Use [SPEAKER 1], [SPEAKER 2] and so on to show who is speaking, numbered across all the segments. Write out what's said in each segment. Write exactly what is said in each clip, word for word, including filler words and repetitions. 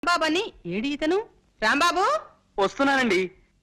[SPEAKER 1] రాంబాబని AD ఇతను? రాంబాబు
[SPEAKER 2] వస్తున్నానండి.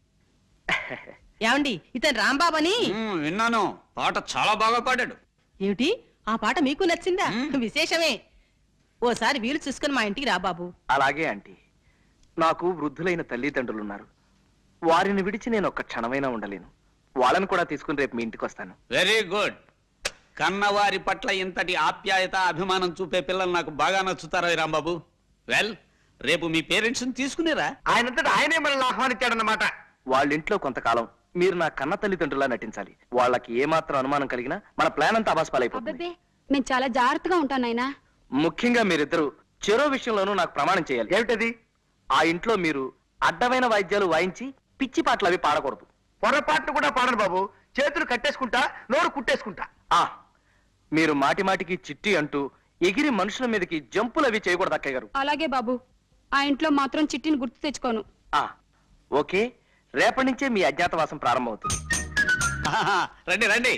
[SPEAKER 1] ఏమండి ఇతను రాంబాబని?
[SPEAKER 3] విన్నాను, పాట చాలా బాగా పాడాడు.
[SPEAKER 1] ఏమిటి ఆ పాట మీకు నచ్చిందా? విశేషమే. ఓసారి వీలు చూసుకుని మా ఇంటికి రా బాబు.
[SPEAKER 2] అలాగే ఆంటీ. నాకు వృద్ధులైన తల్లిదండ్రులున్నారు. వారిని విడిచి నేను ఒక్క క్షణమైనా ఉండలేను. వాళ్ళని కూడా తీసుకుని రేపు మీ ఇంటికి వస్తాను.
[SPEAKER 3] Very good. కన్నవారి పట్ల ఇంతటి ఆప్యాయత అభిమానం చూపే పిల్లలు నాకు బాగా నచ్చుతారా రాంబాబు? వెల్, రేపు మీ పేరెంట్స్ ని తీసుకునేరా.
[SPEAKER 2] ఆయనంతటా ఆయనే మనల్ని ఆహ్వానించాడన్నమాట. వాళ్ళ ఇంట్లో కొంతకాలం మీరు నా కన్న తల్లిదండ్రులా నటించాలి. వాళ్ళకి ఏమాత్రం అనుమానం కలిగినా మన ప్లాన్ అంతా అబాస్పాలైపోతుంది.
[SPEAKER 4] నేను చాలా జాగ్రత్తగా ఉంటాను నాయనా.
[SPEAKER 2] ముఖ్యంగా మీరిద్దరు చెరో విషయంలోనూ నాకు ప్రమాణం చేయాలి. ఏమిటది? ఆ ఇంట్లో మీరు అడ్డమైన వాయిద్యాలు వాయించి పిచ్చి పాటలు అవి పాడకూడదు. పొరపాట్లు కూడా పాడను బాబు. చేతులు కట్టేసుకుంటా, నోరు కుట్టేసుకుంటా. ఆ మీరు మాటి మాటికి చిట్టి అంటూ ఎగిరి మనుషుల మీదకి జంపులు అవి చేయకూడదు అక్కయ్య గారు.
[SPEAKER 4] అలాగే బాబు, ఆ ఇంట్లో మాత్రం చిట్టిని గుర్తు తెచ్చుకోను.
[SPEAKER 2] ఆ ఓకే, రేపటి నుంచే మీ అజ్ఞాతవాసం ప్రారంభమవుతుంది.
[SPEAKER 3] రండి రండి.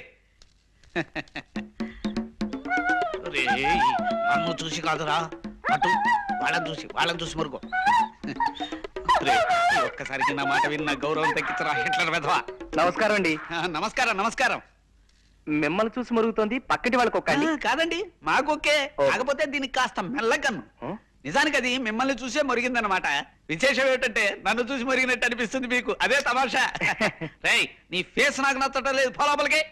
[SPEAKER 3] నన్ను చూసి కాదురా, అటు వాళ్ళని చూసి వాళ్ళని చూసి మరుగో. ఒక్కసారికి నా మాట విన్న గౌరవం తగ్గించరా హిట్లర్ వెధవా.
[SPEAKER 2] నమస్కారం అండి.
[SPEAKER 3] నమస్కారం నమస్కారం.
[SPEAKER 2] మిమ్మల్ని చూసి మరుగుతోంది, పక్కటి వాళ్ళకి ఒక్కండి.
[SPEAKER 3] కాదండి, మాకొకే. కాకపోతే దీనికి కాస్త మెల్లగన్ను. నిజానికి అది మిమ్మల్ని చూసే మరిగిందనమాట. విశేషం ఏమిటంటే నన్ను చూసి మరిగినట్టు అనిపిస్తుంది మీకు. అదే తమాషా. రేయ్, నీ ఫేస్ నాకు నచ్చటం లేదు, పో లోపలికి.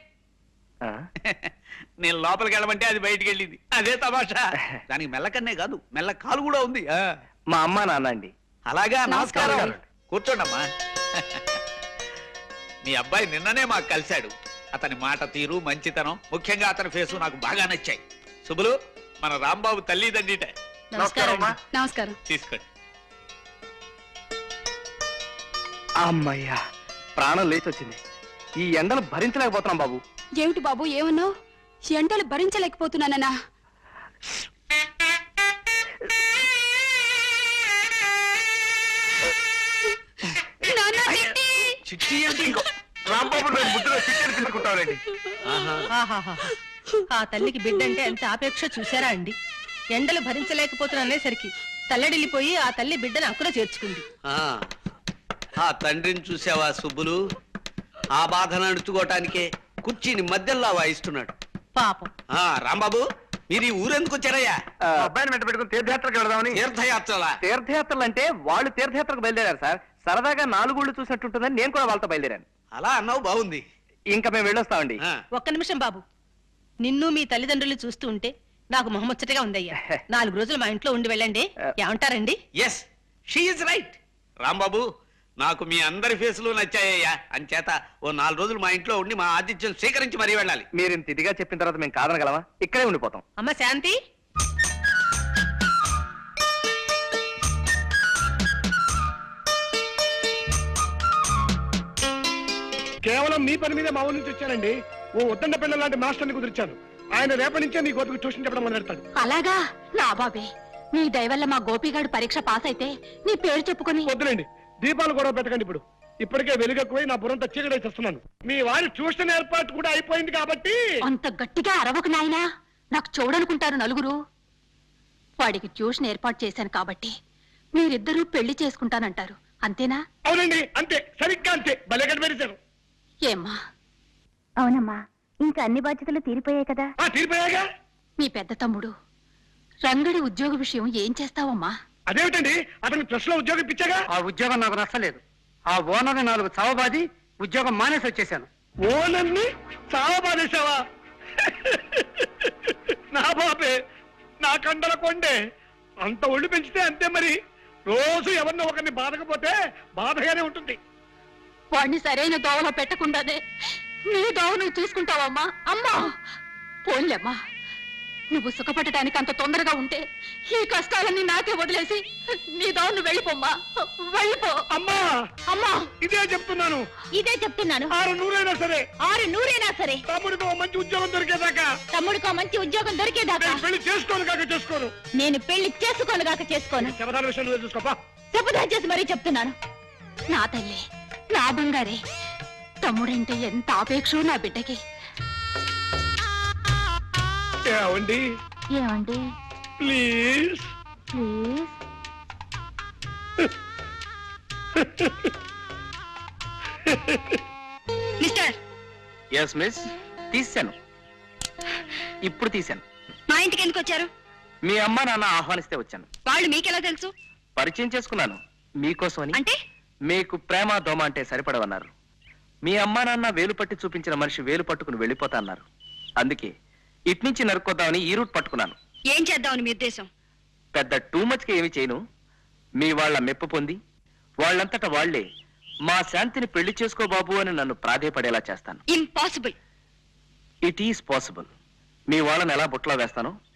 [SPEAKER 3] నేను లోపలికి వెళ్ళమంటే అది బయటికి వెళ్ళింది. అదే తమాషా. దానికి మెల్లకన్నే కాదు, మెల్ల కాలు కూడా ఉంది.
[SPEAKER 2] మా అమ్మ నాన్న అండి.
[SPEAKER 3] అలాగా, నమస్కారం. కూర్చోండమ్మా. మీ అబ్బాయి నిన్ననే మాకు కలిశాడు. అతని మాట తీరు, మంచితనం, ముఖ్యంగా అతని ఫేసు నాకు బాగా నచ్చాయి. శుభులు, మన రాంబాబు తల్లిదండ్రిట.
[SPEAKER 4] నమస్కారం.
[SPEAKER 3] తీసుకోండి.
[SPEAKER 2] అమ్మయ్యా, ప్రాణం లేచి వచ్చింది. ఈ ఎండలు భరించలేకపోతున్నాం బాబు.
[SPEAKER 4] ఏమిటి బాబు ఏమన్నావు? ఎండలు భరించలేకపోతున్నానన్నా?
[SPEAKER 3] చిట్టి అంటే ఇంకో
[SPEAKER 1] ఆ తల్లికి బిడ్డ అంటే ఎంత ఆపేక్ష చూసారా అండి. ఎండలు భరించలేకపోతున్నసరికి తల్లడిల్లిపోయి ఆ తల్లి బిడ్డను అక్కున చేర్చుకుంది.
[SPEAKER 3] ఆ తండ్రిని చూసావా సుబ్బులు? ఆ బాధను అణుచుకోవటానికే కుర్చీని మధ్యలో వాయిస్తున్నాడు
[SPEAKER 1] పాపం.
[SPEAKER 3] ఆ రాంబాబు, మీరు ఈ ఊరెందుకు వచ్చారయ్యా?
[SPEAKER 2] అబ్బాయిని వెంట పెట్టుకుని తీర్థయాత్రకు వెళదామని.
[SPEAKER 3] తీర్థయాత్రలా?
[SPEAKER 2] తీర్థయాత్రలు అంటే వాళ్ళు తీర్థయాత్రకు బయలుదేరారు సార్. సరదాగా నాలుగుళ్ళు చూసినట్టుంటుందని నేను కూడా వాళ్ళతో బయలుదేరాను.
[SPEAKER 3] అలా అన్నావు, బాగుంది.
[SPEAKER 2] ఇంకా మేము వెళ్ళొస్తామండి.
[SPEAKER 1] ఒక్క నిమిషం బాబు. నిన్ను మీ తల్లిదండ్రులు చూస్తూ ఉంటే నాకు మొహముచ్చటగా ఉందయ్యా. నాలుగు రోజులు మా ఇంట్లో ఉండి వెళ్ళండి. ఏమంటారండి?
[SPEAKER 3] Yes, she is right. Rambabu, నాకు మీ అందరి ఫేసులు నచ్చాయ్యా. అంచేత ఓ నాలుగు రోజులు మా ఇంట్లో ఉండి మా ఆతిథ్యం స్వీకరించి మరీ వెళ్ళాలి.
[SPEAKER 2] మీరు ఇంత ఇదిగా చెప్పిన తర్వాత మేము కాదనగలమా? ఇక్కడే ఉండిపోతాం.
[SPEAKER 1] అమ్మ శాంతి,
[SPEAKER 5] కేవలం మీ పని మీద మా ఊరి నుంచి వచ్చానండి. ఓ ఉద్దండ పిల్లల లాంటి మాస్టర్ని కుదిర్చాను. ఆయన రేపటి నుంచే మీ గోపికి ట్యూషన్ చెప్పడం మొదలెడతాడు.
[SPEAKER 4] అలాగా? నా బాబే, నీ దయవల్ల మా గోపిగాడు పరీక్ష పాస్ అయితే నీ పేరు చెప్పుకొని.
[SPEAKER 5] వద్దులేండి, దీపాలు గొడవ పెట్టకండి. ఇప్పుడు ఇప్పటికే వెలుగెక్కువై నా బుర్రంతా చీకటి చేస్తున్నాను. మీ వారి ట్యూషన్ ఏర్పాటు కూడా అయిపోయింది కాబట్టి.
[SPEAKER 4] అంత గట్టిగా అరవకు నాయనా, నాకు చూడనుకుంటారు నలుగురు. వాడికి ట్యూషన్ ఏర్పాటు చేశాను కాబట్టి మీరిద్దరూ పెళ్లి చేసుకుంటానంటారు, అంతేనా?
[SPEAKER 5] అవునండి, అంతే, సరిగ్గా అంతే. భలే కనిపెట్టారు.
[SPEAKER 4] ఏమ్మా?
[SPEAKER 6] అవునమ్మా, ఇంకా అన్ని బాధ్యతలు తీరిపోయాయి కదా.
[SPEAKER 5] తీరిపోయాగా.
[SPEAKER 4] మీ పెద్ద తమ్ముడు రంగడి ఉద్యోగ విషయం ఏం చేస్తావమ్మా?
[SPEAKER 5] అదేమిటండి, అతనికి ప్రెస్ లో ఉద్యోగం ఇప్పించాగా.
[SPEAKER 2] ఆ ఉద్యోగం నాకు నచ్చలేదు. ఆ ఓనర్ని నాలుగు చావబాది ఉద్యోగం మానేసి వచ్చేసాను.
[SPEAKER 5] ఓనర్ని చావబాదేశావా? నా బాబే, నా కండల కొండే. అంత ఒళ్ళు పెంచితే అంతే మరి. రోజు ఎవరినో ఒకరిని బాధకపోతే బాధగానే ఉంటుంది.
[SPEAKER 4] వాడిని సరైన దోవలో పెట్టకుండానే నీ దోవ నువ్వు చూసుకుంటావమ్మా? అమ్మా పోన్లేమ్మా, నువ్వు సుఖపడటానికి అంత తొందరగా ఉంటే ఈ కష్టాలన్నీ నాకే వదిలేసి నీ దోవ నువ్వు వెళ్ళిపోమ్మా, వెళ్ళిపో.
[SPEAKER 5] అమ్మా
[SPEAKER 4] అమ్మా,
[SPEAKER 5] ఇదే చెప్తున్నాను,
[SPEAKER 4] ఇదే చెప్తున్నాను.
[SPEAKER 5] ఆరు నూరైనా సరే,
[SPEAKER 4] ఆరు నూరైనా సరే
[SPEAKER 5] తమ్ముడికో మంచి ఉద్యోగం దొరికేదాకా,
[SPEAKER 4] తమ్ముడికో మంచి ఉద్యోగం దొరికేదాకా
[SPEAKER 5] పెళ్లి చేసుకోను కాక చేసుకోను.
[SPEAKER 4] నేను పెళ్లి చేసుకోను కాక చేసుకోను.
[SPEAKER 5] శబదాల విషయం నువ్వే చూసుకోపా.
[SPEAKER 4] శపథం చేసి మరీ చెప్తున్నాను. నా తల్లి, నా బంగారే, తమ్ముడంటే ఎంత ఆపేక్షో నా బిడ్డకి.
[SPEAKER 5] ఏమండి?
[SPEAKER 6] ఏమండి?
[SPEAKER 5] Please
[SPEAKER 6] please
[SPEAKER 4] mister
[SPEAKER 2] S miss, తీశాను, ఇప్పుడు తీశాను.
[SPEAKER 4] మా ఇంటికి ఎందుకు వచ్చారు?
[SPEAKER 2] మీ అమ్మ నాన్న ఆహ్వానిస్తే వచ్చాను.
[SPEAKER 4] వాళ్ళు మీకెలా తెలుసు?
[SPEAKER 2] పరిచయం చేసుకున్నాను మీకోసమని.
[SPEAKER 4] అంటే
[SPEAKER 2] మీకు ప్రేమ దోమ అంటే సరిపడవన్నారు. మీ అమ్మా నాన్న వేలు పట్టి చూపించిన మనిషి వేలు పట్టుకుని వెళ్ళిపోతా అన్నారు. అందుకే ఇట్నుంచి నరుక్కొద్దామని ఈ రూట్ పట్టుకున్నాను.
[SPEAKER 4] ఏం చేద్దామని మీ ఉద్దేశం?
[SPEAKER 2] పెద్ద టూ మచ్కి ఏమి చేయను. మీ వాళ్ళ మెప్పు పొంది వాళ్ళంతటా వాళ్లే మా శాంతిని పెళ్లి చేసుకో బాబు అని నన్ను ప్రాధేయపడేలా చేస్తాను.
[SPEAKER 4] ఇంపాసిబుల్.
[SPEAKER 2] It is possible. మీ వాళ్ళని ఎలా బుట్టలో వేస్తానో